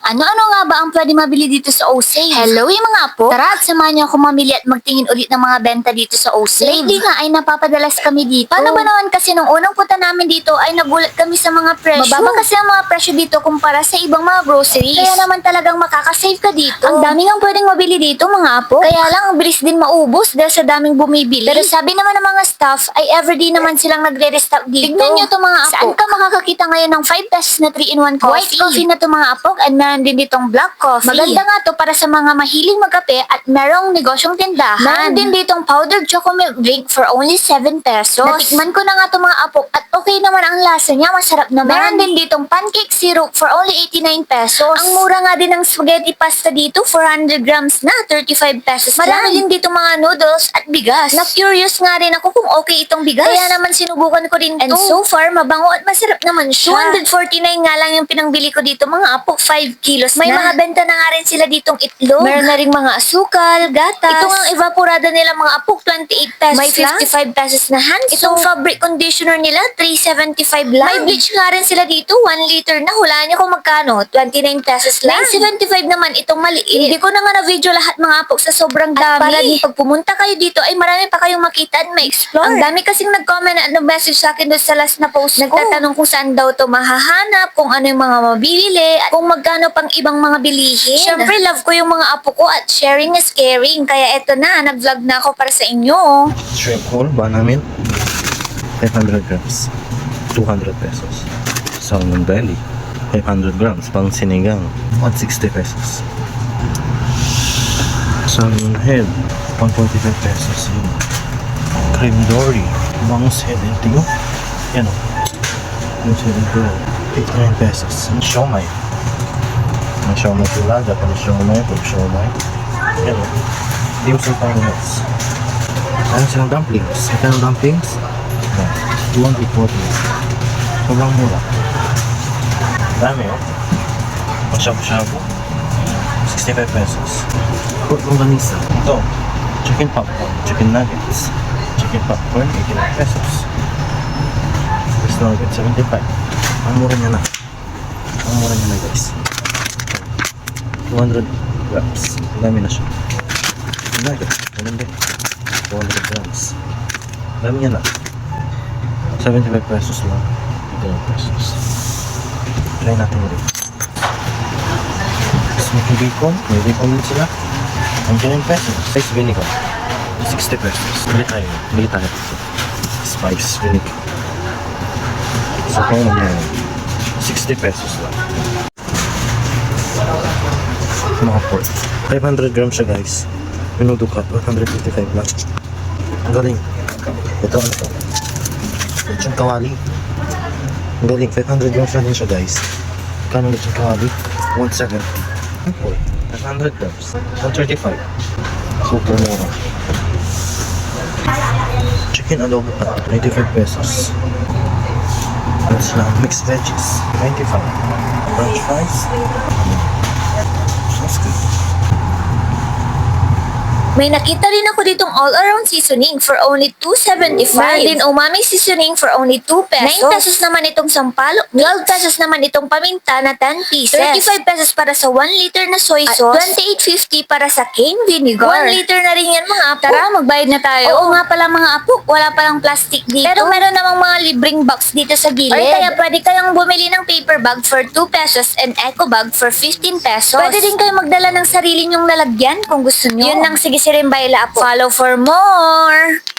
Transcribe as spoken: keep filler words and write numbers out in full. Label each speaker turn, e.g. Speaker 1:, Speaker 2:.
Speaker 1: Ano-ano nga ba ang pwede mabili dito sa O-Save? Hello yung mga apo! Tara at samahan niyo ako mamili at magtingin ulit ng mga benta dito sa O-Save. Lately nga ay napapadalas kami dito. Paano ba naman kasi nung unang punta namin dito ay nagulat kami sa mga presyo. Mababa kasi ang mga presyo dito kumpara sa ibang mga groceries. Kaya naman talagang makakasave ka dito. Ang daming ang pwedeng mabili dito mga apo. Kaya lang ang bilis din maubos dahil sa daming bumibili. Pero sabi naman ng mga staff ay everyday naman silang nagre-restock dito. Tignan nyo to mga apo. Saan ka makakakita ngayon ng five pesos na three in one coffee? White coffee na to mga apo at meron din ditong black coffee. Maganda nga to para sa mga mahilig magkape at merong negosyong tindahan. Meron din ditong powdered choco milk drink for only seven pesos. Natikman ko na nga to mga apo at okay naman ang lasa niya. Masarap naman. Meron din ditong pancake syrup for only eighty-nine pesos. Ang mura nga din ng spaghetti pasta dito, four hundred grams na, thirty-five pesos. Marami din dito mga noodles at bigas. Na-curious nga rin ako kung okay itong bigas. Kaya naman sinubukan ko rin to. And so far, mabango at masarap naman siya. two hundred forty-nine nga lang yung pinangbili ko dito mga apo, five kilos May na. Mga benta na nga rin sila ditong itlog. Meron na rin mga asukal, gatas. Ito nga evaporada nila mga apo, twenty-eight pesos May fifty-five lang. Pesos na hand soap. Itong fabric conditioner nila, three seventy-five lang. May bleach nga rin sila dito, one liter na. Hulaan niyo kung magkano, twenty-nine pesos lang. May seventy-five naman itong maliit. Hindi ko na nga na-video lahat mga apo sa sobrang dami. At para din pag pumunta kayo dito ay marami pa kayong makita at ma-explore. Ang dami kasing nag-comment at nag-message sa akin doon sa last na post ko. Nagtatanong kung saan daw to mahahanap, kung ano yung mga mabibili, at kung magkano pang ibang mga bilihin. Siyempre, love ko yung mga apo ko at sharing is caring. Kaya eto na, nag-vlog na ako para sa inyo.
Speaker 2: Shrimp whole, banana milk, five hundred grams, two hundred pesos. Salmon belly, five hundred grams, pang sinigang, one hundred sixty pesos. Salmon head, one hundred forty-five pesos. Yun. Cream dory, bangus head and tigo. Yan o. Bangus head and tigo, eighty-nine pesos. Siomay. Ang siomay tulaga, pang siomay, pag siomay. Yan o. Dim sum pang nuts. Ayan silang dumplings. Ito yung dumplings. two hundred forty. Sobrang mura. Dami oh. Ang shabu-shabu. sixty-five pesos. Pork longganisa. Ito. Chicken popcorn. Chicken nuggets. Chicken popcorn. eighty-nine pesos. Fish nuggets. seventy-five. Ang mura niya na. Ang mura niya na guys. two hundred grams. Ang dami na siya. Nuggets. Ganun din. two hundred grams. Dami niya na. seventy-five pesos lang. eighty-nine pesos. Try natin ulit. Smoky bacon. May bacon din sila. ninety-nine pesos. Spice vinegar. sixty pesos. Bili tayo. Bili tayo. Spice vinegar. So kung ano yan. sixty pesos lang. Mga pork. five hundred grams siya guys. Minuto cut. one hundred fifty-five lang. Ang galing. Ito ano to? Lechon kawali. Ang galing. five hundred grams na din siya guys. Kano lechon kawali? one seventy. five hundred grams. one thirty-five. Super mura. Chicken adobo pat. ninety-five pesos. Ano sila? Mixed veggies. ninety-five. French fries. That's good.
Speaker 1: May nakita rin ako ditong all-around seasoning for only two seventy-five. Meron din umami seasoning for only two pesos. nine pesos naman itong sampalok. twelve pesos naman itong paminta na ten pieces. thirty-five pesos para sa one liter na soy sauce. At twenty-eight fifty para sa cane vinegar. one liter na rin yan mga apo. Tara, magbayad na tayo. Oo nga pala mga apo, wala palang plastic dito. Pero meron namang mga libreng box dito sa gilid. Or kaya pwede kayong bumili ng paper bag for two pesos and eco bag for fifteen pesos. Pwede din kayo magdala ng sarili nyong lalagyan kung gusto nyo. Yun lang, sige si Rimbayla Apo. Follow for more!